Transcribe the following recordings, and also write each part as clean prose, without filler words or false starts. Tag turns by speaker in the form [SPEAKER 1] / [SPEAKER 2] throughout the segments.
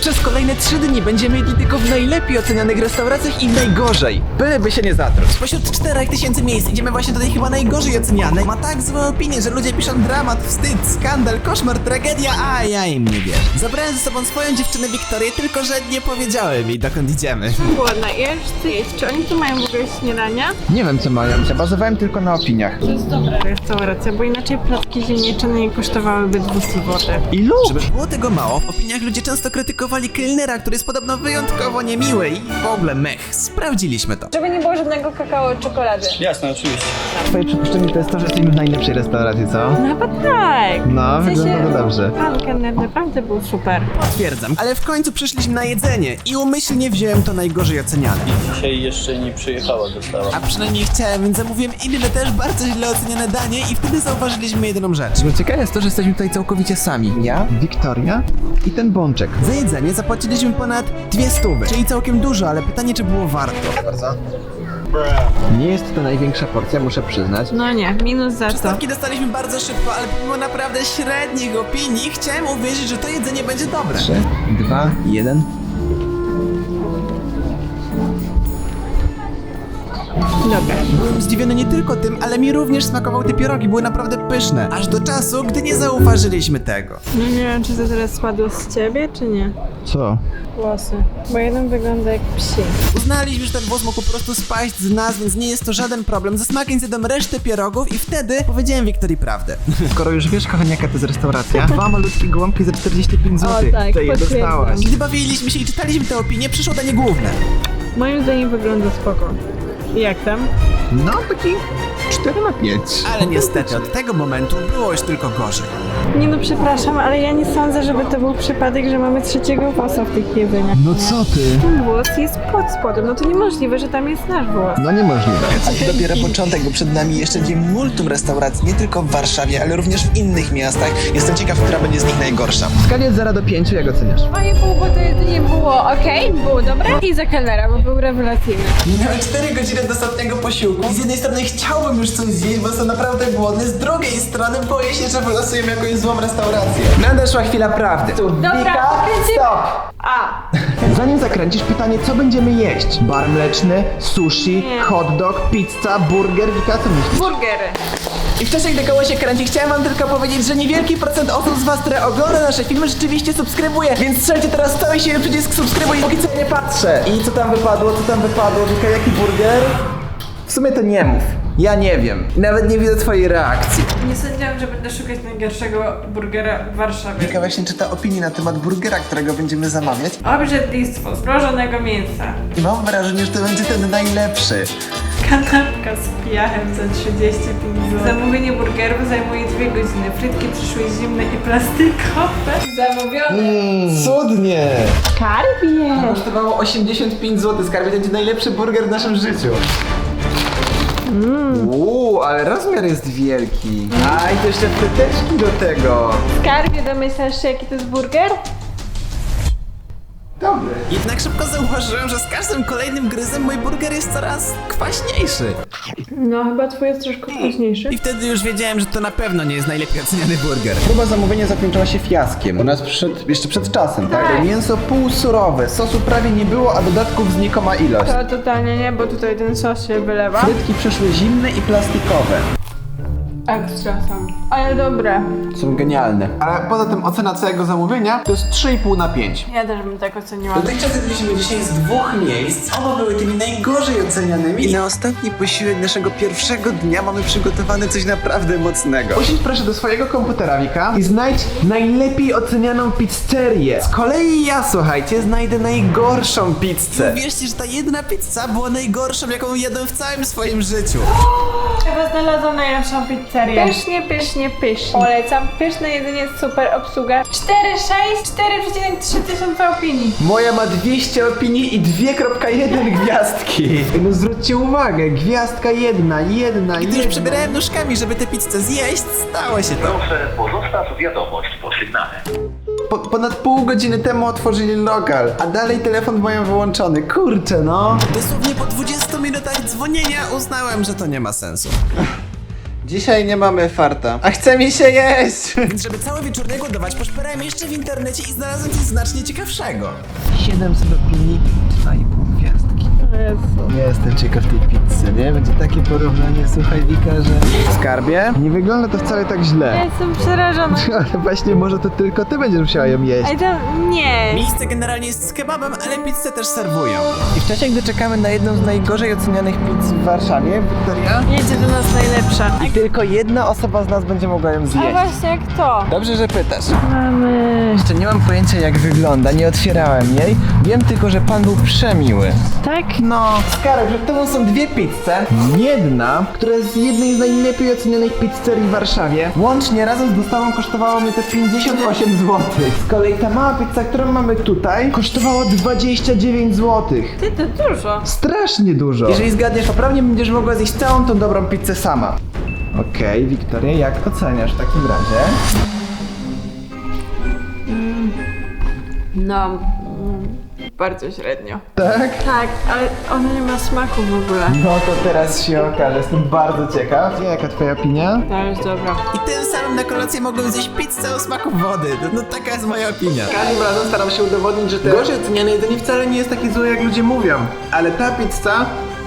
[SPEAKER 1] przez kolejne 3 dni będziemy jedli tylko w najlepiej ocenianych restauracjach i najgorzej. Byleby się nie zatruć. Spośród 4000 miejsc idziemy właśnie do tej chyba najgorzej ocenianej. Ma tak złe opinie, że ludzie piszą dramat, wstyd, skandal, koszmar, tragedia, a ja im nie wierzę. Zabrałem ze sobą swoją dziewczynę Wiktorię, tylko że nie powiedziałem jej, dokąd idziemy.
[SPEAKER 2] Głodna, chcę jeść. Czy oni tu mają w ogóle śniadania?
[SPEAKER 1] Nie wiem co mają, bazowałem tylko na opiniach.
[SPEAKER 2] To jest dobra restauracja, bo inaczej placki ziemniaczane nie kosztowałyby 200 zł.
[SPEAKER 1] Ilu? Żeby było tego mało, w opiniach ludzie często krytykowali kelnera, który jest podobno wyjątkowo niemiły i w ogóle mech. Sprawdziliśmy to.
[SPEAKER 2] Żeby nie było żadnego kakao czekolady.
[SPEAKER 3] Jasne, oczywiście.
[SPEAKER 1] Twoje przypuszczenie to jest to, że jesteśmy w najlepszej restauracji, co?
[SPEAKER 2] No chyba tak.
[SPEAKER 1] No,
[SPEAKER 2] W sensie,
[SPEAKER 1] wygląda to dobrze.
[SPEAKER 2] Pan kelner naprawdę był super.
[SPEAKER 1] Potwierdzam, ale w końcu przyszliśmy na jedzenie i umyślnie wziąłem to najgorzej oceniane.
[SPEAKER 3] Dzisiaj jeszcze nie przyjechała dostawa.
[SPEAKER 1] A przynajmniej chciałem, więc zamówiłem inne też bardzo źle oceniane danie i wtedy zauważyliśmy jedyną rzecz. Ciekawe jest to, że jesteśmy tutaj całkowicie sami. Ja, Wiktoria i ten bączek. Za jedzenie zapłaciliśmy ponad 200, czyli całkiem dużo, ale pytanie, czy było warto. Bardzo. Nie jest to największa porcja, muszę przyznać.
[SPEAKER 2] No nie, minus za to.
[SPEAKER 1] Stawki dostaliśmy bardzo szybko, ale pomimo naprawdę średnich opinii chciałem uwierzyć, że to jedzenie będzie dobre. 3, 2, 1.
[SPEAKER 2] Dobra.
[SPEAKER 1] Byłem zdziwiony nie tylko tym, ale mi również smakowały te pierogi, były naprawdę pyszne. Aż do czasu, gdy nie zauważyliśmy tego.
[SPEAKER 2] No nie wiem, czy to teraz spadło z ciebie, czy nie?
[SPEAKER 1] Co?
[SPEAKER 2] Włosy. Bo jeden wygląda jak psi.
[SPEAKER 1] Uznaliśmy, że ten włos mógł po prostu spaść z nas, więc nie jest to żaden problem. Za smakiem zjadłem resztę pierogów i wtedy powiedziałem Wiktorii prawdę. Skoro już wiesz, kochanie, jaka to jest restauracja, 2 malutkie gołąbki za 45 zł.
[SPEAKER 2] O, tak,
[SPEAKER 1] to je
[SPEAKER 2] potwierdzam.
[SPEAKER 1] dostałaś. Gdy bawiliśmy się i czytaliśmy te opinie, przyszło danie główne.
[SPEAKER 2] Moim zdaniem wygląda spoko. Jak tam?
[SPEAKER 1] No, taki 4 na 5. Ale niestety od tego momentu było już tylko gorzej.
[SPEAKER 2] Nie no, przepraszam, ale ja nie sądzę, żeby to był przypadek, że mamy trzeciego włosa w tych jedzeniach.
[SPEAKER 1] No co ty?
[SPEAKER 2] Ten włos jest pod spodem, no to niemożliwe, że tam jest nasz włos.
[SPEAKER 1] No niemożliwe. A to dopiero początek, bo przed nami jeszcze dzień multum restauracji, nie tylko w Warszawie, ale również w innych miastach. Jestem ciekaw, która będzie z nich najgorsza. W skali od 0 do 5, jak oceniasz?
[SPEAKER 2] 2,5, bo to jedzenie było okej, było dobre i za kelnera, bo był rewelacyjny.
[SPEAKER 1] Minęły 4 godziny do ostatniego posiłku. I z jednej strony chciałbym już coś zjeść, bo jestem naprawdę głodny. Z drugiej strony boję się, że wylosujemy jakąś złą restaurację. Nadeszła chwila prawdy.
[SPEAKER 2] Dobra, kręcimy.
[SPEAKER 1] Stop!
[SPEAKER 2] A!
[SPEAKER 1] Zanim zakręcisz, pytanie, co będziemy jeść? Bar mleczny, sushi,
[SPEAKER 2] Nie.
[SPEAKER 1] hot dog, pizza, burger, Wika, co myślisz?
[SPEAKER 2] Burgery.
[SPEAKER 1] I wcześniej, gdy koło się kręci, chciałem wam tylko powiedzieć, że niewielki procent osób z was, które ogląda nasze filmy, rzeczywiście subskrybuje, więc strzelcie teraz cały siły przycisk subskrybuj, póki co nie patrzę. I co tam wypadło, Wika, jaki burger? W sumie to nie mów. Ja nie wiem. Nawet nie widzę twojej reakcji.
[SPEAKER 2] Nie sądziłam, że będę szukać najgorszego burgera w Warszawie.
[SPEAKER 1] Wika właśnie czyta opinię na temat burgera, którego będziemy zamawiać.
[SPEAKER 2] Obrzydlistwo zmrożonego mięsa.
[SPEAKER 1] I mam wrażenie, że to będzie ten najlepszy.
[SPEAKER 2] Kanapka z piachem za 35 zł. Zamówienie burgerów zajmuje 2 godziny. Frytki przyszły zimne i plastikowe. Zamówione.
[SPEAKER 1] Cudnie!
[SPEAKER 2] Skarbie.
[SPEAKER 1] Kosztowało 85 zł. Skarbie, to będzie najlepszy burger w naszym życiu. Ale rozmiar jest wielki. A i to jeszcze fryteczki do tego.
[SPEAKER 2] Skarbie, domyślasz się, jaki to jest burger?
[SPEAKER 1] Dobry. Jednak szybko zauważyłem, że z każdym kolejnym gryzem mój burger jest coraz kwaśniejszy.
[SPEAKER 2] No, chyba twój jest troszkę późniejszy.
[SPEAKER 1] I wtedy już wiedziałem, że to na pewno nie jest najlepiej oceniany burger. Próba zamówienia zakończyła się fiaskiem. U nas jeszcze przed czasem, tak?
[SPEAKER 2] Tak.
[SPEAKER 1] Mięso półsurowe, sosu prawie nie było, a dodatków znikoma ilość.
[SPEAKER 2] To totalnie nie, bo tutaj ten sos się wylewa.
[SPEAKER 1] Frytki przyszły zimne i plastikowe.
[SPEAKER 2] Ekstra sam. Ale dobre.
[SPEAKER 1] Są genialne. Ale poza tym ocena całego zamówienia to jest 3,5 na 5.
[SPEAKER 2] Ja też bym tak oceniła.
[SPEAKER 1] Dotychczas jedliśmy dzisiaj z 2 miejsc. Oba były tymi najgorzej ocenianymi. I na ostatni posiłek naszego pierwszego dnia mamy przygotowane coś naprawdę mocnego. Usiądź proszę do swojego komputera, Wika, i znajdź najlepiej ocenianą pizzerię. Z kolei ja, słuchajcie, znajdę najgorszą pizzę. Uwierzcie, że ta jedna pizza była najgorszą, jaką jadłem w całym swoim życiu.
[SPEAKER 2] Chyba znalazłam najlepszą pizzerię. Pysznie, pysznie, pysznie. Polecam. Pyszne jedzenie, super obsługa. 4,6, 4,3 tysiąca opinii.
[SPEAKER 1] Moja ma 200 opinii i 2,1 gwiazdki. No zwróćcie uwagę, gwiazdka jedna. Gdy już przebierałem nóżkami, żeby tę pizzę zjeść, stało się to.
[SPEAKER 4] Proszę, pozostaw wiadomość po sygnale.
[SPEAKER 1] Ponad pół godziny temu otworzyli lokal, a dalej telefon mają wyłączony. Kurczę, no. Dosłownie po 20 minutach dzwonienia uznałem, że to nie ma sensu. Dzisiaj nie mamy farta. A chce mi się jeść! Więc żeby cały wieczór nie głodować, poszperajmy jeszcze w internecie i znalazłem coś znacznie ciekawszego. 700 opinii, 2,5 gwiazdki. Nie jestem ciekaw tej pizzy, nie? Będzie takie porównanie, słuchaj Wika, że... Skarbie? Nie wygląda to wcale tak
[SPEAKER 2] Ja
[SPEAKER 1] źle.
[SPEAKER 2] jestem przerażona.
[SPEAKER 1] Ale właśnie może to tylko ty będziesz musiała ją jeść.
[SPEAKER 2] Ej, to nie.
[SPEAKER 1] Miejsce generalnie jest z kebabem, ale pizzę też serwują. I w czasie, gdy czekamy na jedną z najgorzej ocenianych pizz w Warszawie, Wiktoria,
[SPEAKER 2] Jedzie do nas najlepsza.
[SPEAKER 1] i tylko jedna osoba z nas będzie mogła ją
[SPEAKER 2] A
[SPEAKER 1] zjeść.
[SPEAKER 2] właśnie, kto?
[SPEAKER 1] Dobrze, że pytasz.
[SPEAKER 2] Mamy...
[SPEAKER 1] Jeszcze nie mam pojęcia jak wygląda, nie otwierałem jej. Wiem tylko, że pan był przemiły.
[SPEAKER 2] Tak?
[SPEAKER 1] No, Skarek, przed tobą są dwie pizze. Jedna, która jest z jednej z najlepiej ocenionych pizzerii w Warszawie. Łącznie razem z dostawą kosztowało mnie to 58 zł. Z kolei ta mała pizza, którą mamy tutaj, kosztowała 29 zł.
[SPEAKER 2] Ty, to dużo.
[SPEAKER 1] Strasznie dużo. Jeżeli zgadniesz poprawnie, będziesz mogła zjeść całą tą dobrą pizzę sama. Okej, Wiktoria, jak oceniasz w takim razie?
[SPEAKER 2] No, bardzo średnio.
[SPEAKER 1] Tak?
[SPEAKER 2] Tak, ale ona nie ma smaku w ogóle.
[SPEAKER 1] No to teraz się okaże, jestem bardzo ciekaw. Jaka twoja opinia?
[SPEAKER 2] To jest dobra.
[SPEAKER 1] I tym samym na kolację mogłem zjeść pizzę o smaku wody. No taka jest moja opinia. Każdym razem staram się udowodnić, że te gorzej oceniane jedzenie wcale nie jest takie złe, jak ludzie mówią. Ale ta pizza...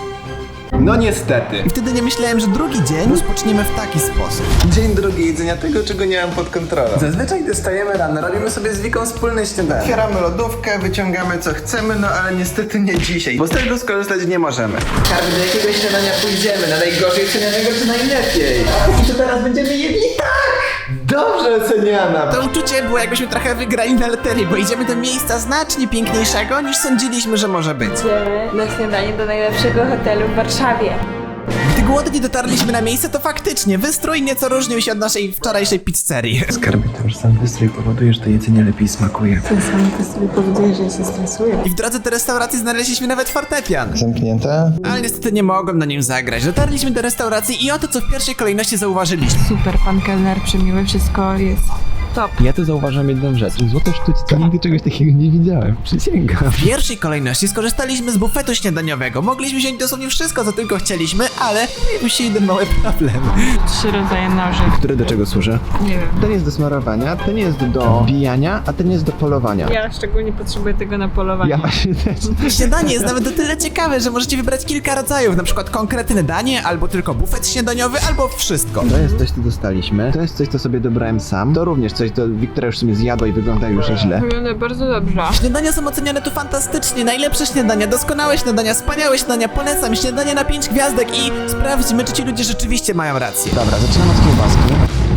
[SPEAKER 1] No niestety. I wtedy nie myślałem, że drugi dzień rozpoczniemy w taki sposób. Dzień drugi jedzenia tego, czego nie mam pod kontrolą. Zazwyczaj gdy wstajemy rano, robimy sobie z Wiką wspólne śniadanie. Otwieramy lodówkę, wyciągamy co chcemy, no ale niestety nie dzisiaj, bo z tego skorzystać nie możemy. Każdy do jakiego śniadania pójdziemy, na najgorzej ocenianego czy najlepiej? A co teraz będziemy jedli? Tak! Dobrze oceniana! To uczucie było jakbyśmy trochę wygrali na loterii, bo idziemy do miejsca znacznie piękniejszego niż sądziliśmy, że może być.
[SPEAKER 2] Idziemy na śniadanie do najlepszego hotelu w Warszawie.
[SPEAKER 1] Gdy głodni dotarliśmy na miejsce, to faktycznie wystrój nieco różnił się od naszej wczorajszej pizzerii. Skarbie, to już sam wystrój powoduje, że to jedzenie lepiej smakuje.
[SPEAKER 2] Ten sam to sobie powoduje, że się stresuję.
[SPEAKER 1] I w drodze do restauracji znaleźliśmy nawet fortepian.
[SPEAKER 5] Zamknięte?
[SPEAKER 1] Ale niestety nie mogłem na nim zagrać. Dotarliśmy do restauracji i oto co w pierwszej kolejności zauważyliśmy.
[SPEAKER 2] Super, pan kelner przemiły, wszystko jest top.
[SPEAKER 5] Ja tu zauważam jedną rzecz. Złote sztućce. Nigdy czegoś takiego nie widziałem. Przysięgam.
[SPEAKER 1] W pierwszej kolejności skorzystaliśmy z bufetu śniadaniowego. Mogliśmy wziąć dosłownie wszystko, co tylko chcieliśmy, ale pojawił się jeden mały problem.
[SPEAKER 2] 3 rodzaje noży.
[SPEAKER 5] Który do czego służy?
[SPEAKER 2] Nie wiem.
[SPEAKER 5] Ten jest do smarowania, ten jest do bijania, a ten jest do polowania.
[SPEAKER 2] Ja szczególnie potrzebuję tego na polowanie.
[SPEAKER 5] Ja właśnie też.
[SPEAKER 1] Śniadanie jest nawet o tyle ciekawe, że możecie wybrać kilka rodzajów, na przykład konkretne danie, albo tylko bufet śniadaniowy, albo wszystko.
[SPEAKER 5] To jest coś, co dostaliśmy. To jest coś, co sobie dobrałem sam. To również coś, co Wiktoria już sobie zjadła i wygląda już źle.
[SPEAKER 2] Wygląda bardzo dobrze.
[SPEAKER 1] Śniadania są oceniane tu fantastycznie, najlepsze śniadania, doskonałe śniadania, wspaniałe śniadania, polecam śniadanie na 5 gwiazdek i sprawdźmy, czy ci ludzie rzeczywiście mają rację.
[SPEAKER 5] Dobra, zaczynam od kiełbaski.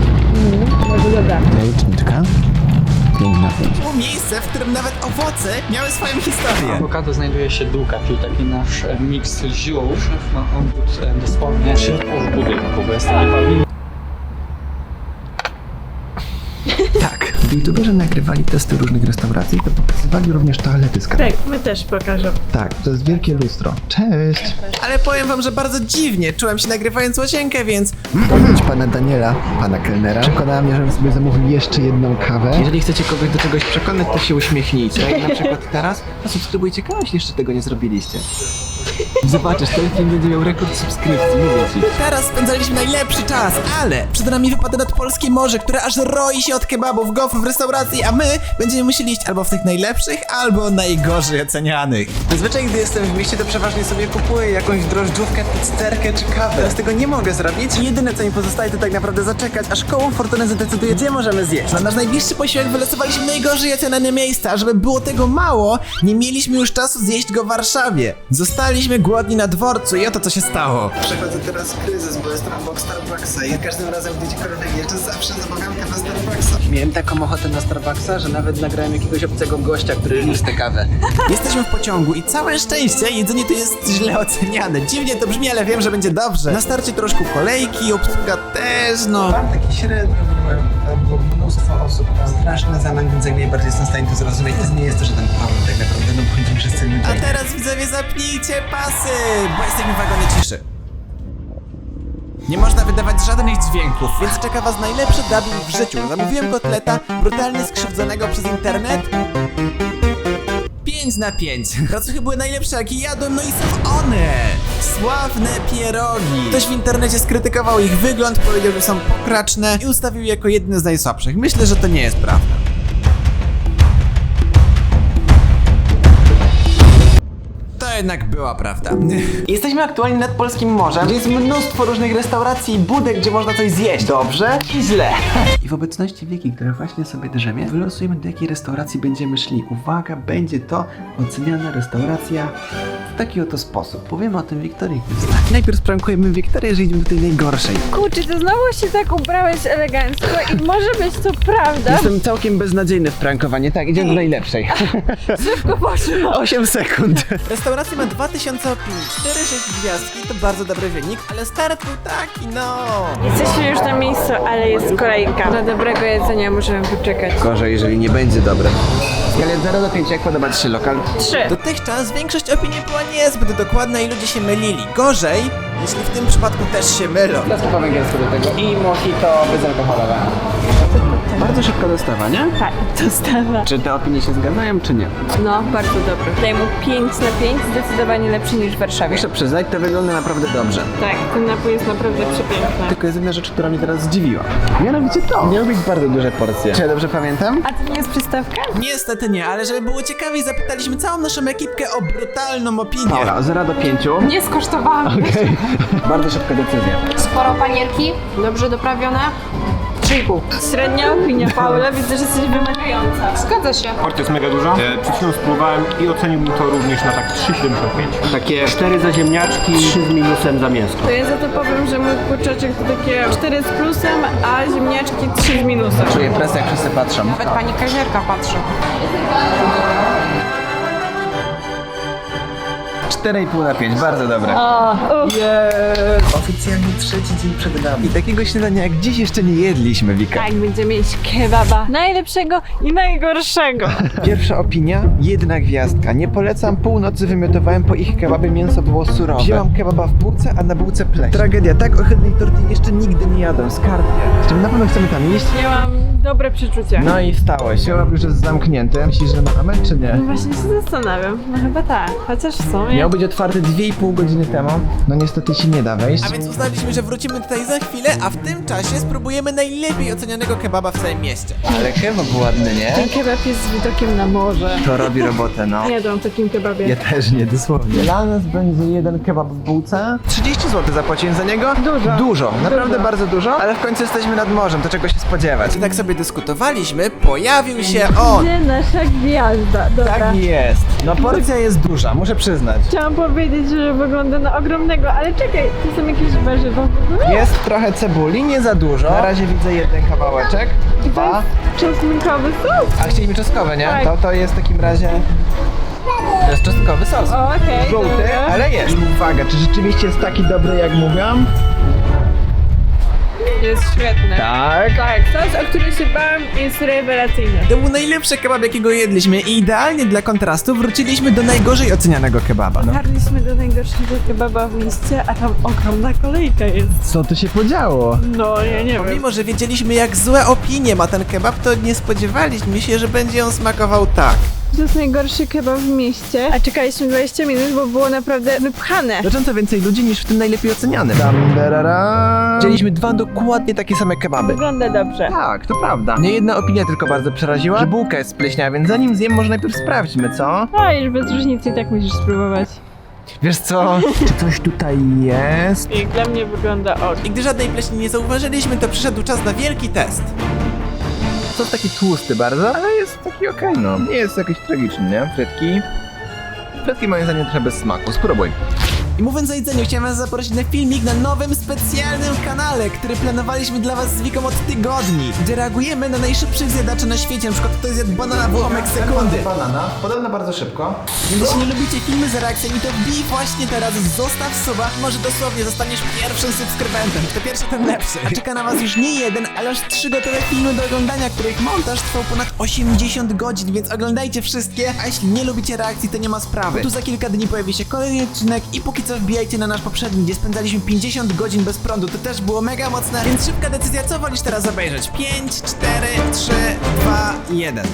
[SPEAKER 2] Bardzo dobra.
[SPEAKER 5] Jajeczniczka. 5 na 5.
[SPEAKER 1] Było miejsce, w którym nawet owoce miały swoją historię.
[SPEAKER 3] Awokado znajduje się długa, czyli taki nasz miks ziół. Ma on tu dosłownie w środku w budynku, bo jest taki pawilon.
[SPEAKER 5] Tak. Gdy youtuberzy nagrywali testy różnych restauracji, to pokazywali również toalety z kanału.
[SPEAKER 2] Tak, my też pokażę.
[SPEAKER 5] Tak, to jest wielkie lustro. Cześć!
[SPEAKER 1] Ale powiem wam, że bardzo dziwnie czułem się nagrywając łazienkę, więc...
[SPEAKER 5] Powiedz pana Daniela, pana kelnera, przekonała mnie, żebym sobie zamówił jeszcze jedną kawę. Jeżeli chcecie kogoś do czegoś przekonać, to się uśmiechnijcie. Tak jak na przykład teraz, to subskrybujcie kanał, jeśli jeszcze tego nie zrobiliście. Zobaczysz, ten film będzie miał rekord subskrypcji, mówię ci.
[SPEAKER 1] Teraz spędzaliśmy najlepszy czas, ale przed nami wypada nadpolskie morze, które aż roi się od kebabów, gofrów w restauracji, a my będziemy musieli iść albo w tych najlepszych, albo najgorzej ocenianych. Zazwyczaj, gdy jestem w mieście, to przeważnie sobie kupuję jakąś drożdżówkę, pizzerkę czy kawę. Teraz tego nie mogę zrobić i jedyne, co mi pozostaje, to tak naprawdę zaczekać, aż koło fortuny zadecyduje, gdzie możemy zjeść. Na nasz najbliższy posiłek wylosowaliśmy najgorzej oceniane miejsca, a żeby było tego mało, nie mieliśmy już czasu zjeść go w Warszawie. Zostaliśmy głodni na dworcu i oto co się stało. Przechodzę teraz kryzys, bo jestem obok Starbucksa i każdym razem, gdy gdziekolwiek jeżdżę, zawsze zamawiam kawę Starbucksa. Miałem taką ochotę na Starbucksa, że nawet nagrałem jakiegoś obcego gościa, który niósł tę kawę. Jesteśmy w pociągu i całe szczęście jedzenie tu jest źle oceniane. Dziwnie to brzmi, ale wiem, że będzie dobrze. Na starcie troszkę kolejki, obsługa też, no. Mam taki średnio, bo mnóstwo osób ma straszny zamęt, więc jak najbardziej jestem w stanie to zrozumieć. To nie jest to żaden problem tak naprawdę, no bo będziemy wszyscy ludzie. A teraz widzowie zapnijcie pasy, bo jesteśmy w wagonie ciszy. Nie można wydawać żadnych dźwięków, więc czeka was najlepszy dubbing w życiu. Zamówiłem kotleta, brutalnie skrzywdzonego przez internet. 5 5 na 5. Racuchy były najlepsze, jakie jadłem, no i są one! Sławne pierogi. Ktoś w internecie skrytykował ich wygląd, powiedział, że są pokraczne i ustawił je jako jedne z najsłabszych. Myślę, że to nie jest prawda. To jednak była prawda. Jesteśmy aktualnie nad Polskim Morzem, gdzie jest mnóstwo różnych restauracji i budek, gdzie można coś zjeść. Dobrze i źle. I w obecności Wiki, która właśnie sobie drzemie, wylosujemy, do jakiej restauracji będziemy szli. Uwaga, będzie to oceniana restauracja w taki oto sposób. Powiemy o tym Wiktorii Krystach. Najpierw sprankujemy Wiktorię, że idziemy do tej najgorszej.
[SPEAKER 2] Kurczę, to znowu się tak ubrałeś elegancko i może być to prawda.
[SPEAKER 1] Jestem całkiem beznadziejny w prankowaniu. Tak, idziemy do najlepszej.
[SPEAKER 2] Szybko poszło.
[SPEAKER 1] 8 sekund. Restauracja ma 2000 opinii, 4,6 gwiazdki, to bardzo dobry wynik, ale start był taki, no.
[SPEAKER 2] Jesteśmy już na miejscu, ale jest kolejka. Na dobrego jedzenia możemy poczekać.
[SPEAKER 1] Gorzej, jeżeli nie będzie dobre. W skali od 0 do 5, jak podoba Ci się lokal?
[SPEAKER 2] 3.
[SPEAKER 1] Dotychczas większość opinii była niezbyt dokładna i ludzie się mylili. Gorzej, jeśli w tym przypadku też się mylą. Teraz po węgiersku do tego i mojito bezalkoholowe. Bardzo szybka dostawa, nie?
[SPEAKER 2] Tak, dostawa.
[SPEAKER 1] Czy te opinie się zgadzają, czy nie?
[SPEAKER 2] No, bardzo dobry. Daję mu 5 na 5, zdecydowanie lepszy niż w Warszawie.
[SPEAKER 1] Muszę przyznać, to wygląda naprawdę dobrze.
[SPEAKER 2] Tak, ten napój jest naprawdę przepiękny.
[SPEAKER 1] Tylko jest jedna rzecz, która mnie teraz zdziwiła. Mianowicie to. Miały być bardzo duże porcje. Czy ja dobrze pamiętam?
[SPEAKER 2] A to nie jest przystawka?
[SPEAKER 1] Niestety nie, ale żeby było ciekawiej, zapytaliśmy całą naszą ekipkę o brutalną opinię. Paula, od 0 do 5.
[SPEAKER 2] Nie skosztowałam.
[SPEAKER 1] Okej. Bardzo szybka decyzja.
[SPEAKER 6] Sporo panierki, dobrze doprawione. 3,5.
[SPEAKER 2] Średnia opinia, Paula. Widzę, że jesteś wymagająca.
[SPEAKER 6] Zgadza się.
[SPEAKER 7] Porcja jest mega duża. Przed chwilą spróbowałem i oceniłbym to również na tak 3,75. Takie 4 za ziemniaczki, 3 z minusem za mięsko.
[SPEAKER 2] To ja za to powiem, że mój kurczaczek to takie 4 z plusem, a ziemniaczki 3 z minusem.
[SPEAKER 1] Czuję presję, jak wszyscy patrzą.
[SPEAKER 6] Nawet pani kelnerka patrzy.
[SPEAKER 1] 4,5 na 5, bardzo dobre. Oficjalnie trzeci dzień przed nami. I takiego śniadania jak dziś jeszcze nie jedliśmy, Wika.
[SPEAKER 2] Tak, będziemy mieć kebaba. Najlepszego i najgorszego.
[SPEAKER 1] Pierwsza opinia, 1 gwiazdka. Nie polecam, północy wymiotowałem po ich kebabie, mięso było surowe. Wzięłam kebaba w bułce, a na bułce pleśń. Tragedia, tak ohydnej tortilli jeszcze nigdy nie jadłem, skarbie. Czy my na pewno chcemy tam iść?
[SPEAKER 2] Ja mam dobre przeczucie.
[SPEAKER 1] No i stało się. Kebab już jest zamknięty. Myślisz, że mamy, czy nie?
[SPEAKER 2] No właśnie się zastanawiam. No chyba tak. Chociaż w sumie...
[SPEAKER 1] Miał być otwarty 2,5 godziny temu. No niestety się nie da wejść. A więc uznaliśmy, że wrócimy tutaj za chwilę, a w tym czasie spróbujemy najlepiej ocenianego kebaba w całym mieście. Ale kebab ładny, nie?
[SPEAKER 2] Ten kebab jest z widokiem na morze.
[SPEAKER 1] To robi robotę, no.
[SPEAKER 2] Nie jadłam w takim kebabie.
[SPEAKER 1] Ja też nie, dosłownie. Dla nas będzie 1 kebab w bułce. 30 zł zapłaciłem za niego.
[SPEAKER 2] Dużo.
[SPEAKER 1] Dużo, naprawdę bardzo dużo. Ale w końcu jesteśmy nad morzem, to czego się spodziewać. I tak sobie dyskutowaliśmy, pojawił się on.
[SPEAKER 2] Gdzie nasza gwiazda? Dobra.
[SPEAKER 1] Tak jest. No porcja jest duża, muszę przyznać.
[SPEAKER 2] Chciałam powiedzieć, że wygląda na ogromnego, ale czekaj, to są jakieś warzywa w ogóle?
[SPEAKER 1] Jest trochę cebuli, nie za dużo. Na razie widzę 1 kawałeczek. 2.
[SPEAKER 2] Czosnkowy sos?
[SPEAKER 1] A chcieliśmy czosnkowe, nie?
[SPEAKER 2] Tak.
[SPEAKER 1] To jest w takim razie... To jest czosnkowy sos.
[SPEAKER 2] O, okej,
[SPEAKER 1] Żółty,
[SPEAKER 2] dobra.
[SPEAKER 1] ale jest. Uwaga, czy rzeczywiście jest taki dobry, jak mówiłam?
[SPEAKER 2] Jest świetny.
[SPEAKER 1] Tak.
[SPEAKER 2] Tak, sos, o który się bałam, jest rewelacyjny.
[SPEAKER 1] To był najlepszy kebab, jakiego jedliśmy i idealnie dla kontrastu wróciliśmy do najgorzej ocenianego kebaba. No.
[SPEAKER 2] Dotarliśmy do najgorszego kebaba w mieście, a tam ogromna kolejka jest.
[SPEAKER 1] Co tu się podziało?
[SPEAKER 2] No, ja nie wiem.
[SPEAKER 1] Mimo, że wiedzieliśmy, jak złe opinie ma ten kebab, to nie spodziewaliśmy się, że będzie on smakował tak.
[SPEAKER 2] To jest najgorszy kebab w mieście, a czekaliśmy 20 minut, bo było naprawdę wypchane.
[SPEAKER 1] Znacząco więcej ludzi niż w tym najlepiej ocenianym. Widzieliśmy 2 dokładnie takie same kebaby.
[SPEAKER 2] Wygląda dobrze.
[SPEAKER 1] Tak, to prawda. Nie jedna opinia tylko bardzo przeraziła, że bułka jest spleśniała, więc zanim zjem, może najpierw sprawdźmy, co?
[SPEAKER 2] No już bez różnicy i tak musisz spróbować.
[SPEAKER 1] Wiesz co? Czy coś tutaj jest?
[SPEAKER 2] I dla mnie wygląda ok.
[SPEAKER 1] I gdy żadnej pleśni nie zauważyliśmy, to przyszedł czas na wielki test. Sos taki tłusty bardzo, ale jest taki okej, no. Nie jest jakiś tragiczny, nie? Frytki moim zdaniem trochę bez smaku. Spróbuj. I mówiąc o jedzeniu, chciałem was zaprosić na filmik na nowym specjalnym kanale, który planowaliśmy dla was z Wiką od tygodni, gdzie reagujemy na najszybszych zjadaczy na świecie, na przykład kto zjadł banana w ułamek sekundy. Banana, podobno bardzo szybko. Więc jeśli nie lubicie filmy z reakcjami, to wbij właśnie teraz, zostaw suba, może dosłownie zostaniesz pierwszym subskrybentem. Kto pierwszy, ten lepszy. A czeka na was już nie jeden, ale aż 3 gotowe filmy do oglądania, których montaż trwał ponad 80 godzin, więc oglądajcie wszystkie, a jeśli nie lubicie reakcji, to nie ma sprawy. Bo tu za kilka dni pojawi się kolejny odcinek i póki co wbijajcie na nasz poprzedni, gdzie spędzaliśmy 50 godzin bez prądu. To też było mega mocne, więc szybka decyzja, co wolisz teraz obejrzeć? 5, 4, 3, 2, 1.